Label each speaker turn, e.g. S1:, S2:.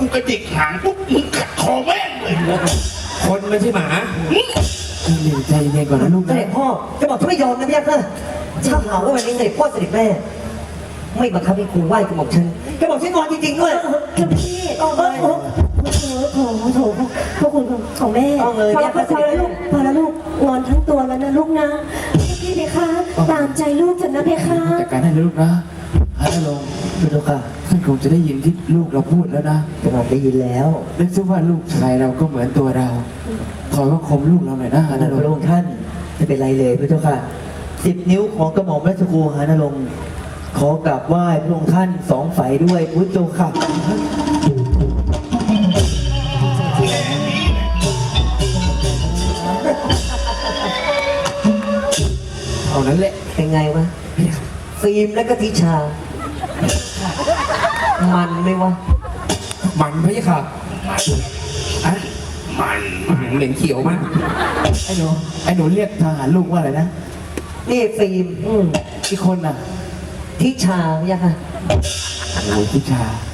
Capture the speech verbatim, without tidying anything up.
S1: กูกระดิกหางปุ๊บมึงกัดคอแม่งเลย
S2: คนไม่ใช่หมา
S3: หนึ่งใจเย็นก่อนนะลูก
S4: เสด็จพ่อจะบอกฉันไม่ยอมนะพี่ยักษ์นะถ้าหาว่าวันนี้เสด็จพ่อเสด็จแม่ไม่บังคับให้ครูไหว้กระหม่อมฉันกระหม่อมฉันงอนจริงๆด้วย
S5: คือพี่โอ้โหโถโถโถพวกคุณของแม่
S4: ต้องเลย
S5: พอ
S4: เนี่ย
S5: แล้วพอแล้วลูกพอแล้วลูกงอนทั้งตัวแล้วนะลูกนะพี่เพคะตามใจลูกเถอะนะเพคะ
S3: จัดการให้ลูกนะฮัลโหล
S4: ดูดูค่ะ
S3: ท่านคงจะได้ยินที่ลูกเราพูดแล้วนะ
S4: กระหม่อมได้ยินแล้ว
S3: นึกซะว่าลูกชายเราก็เหมือนตัวเราขอว่าคมลูกเราหน่อยนะฮัล
S4: พระ
S3: โหล
S4: องค์ท่านไม่เป็นไรเลยพระเจ้าค่ะสิบนิ้วของกระหม่อมราชครูหานรงค์ขอกราบไหว้พระองค์ท่านสองฝ่ายด้วยพระเจ้าค่ะ
S3: เอานั้นแหละ
S4: เป็นไงวะฟิล์มและก็ทิชา มันไหมวะ
S2: มันพะยะค่ะอะ
S1: มันมัน
S2: เหม็นเขียวมาก
S3: ไอ้หนูไอ้หนูเรียกทหารลูกว่าอะไรนะ
S4: นี่ฟิล์มอืม
S3: อีกคนน่ะ
S4: ทิชาเนี่ยค่ะ
S3: โอ้ยพิชา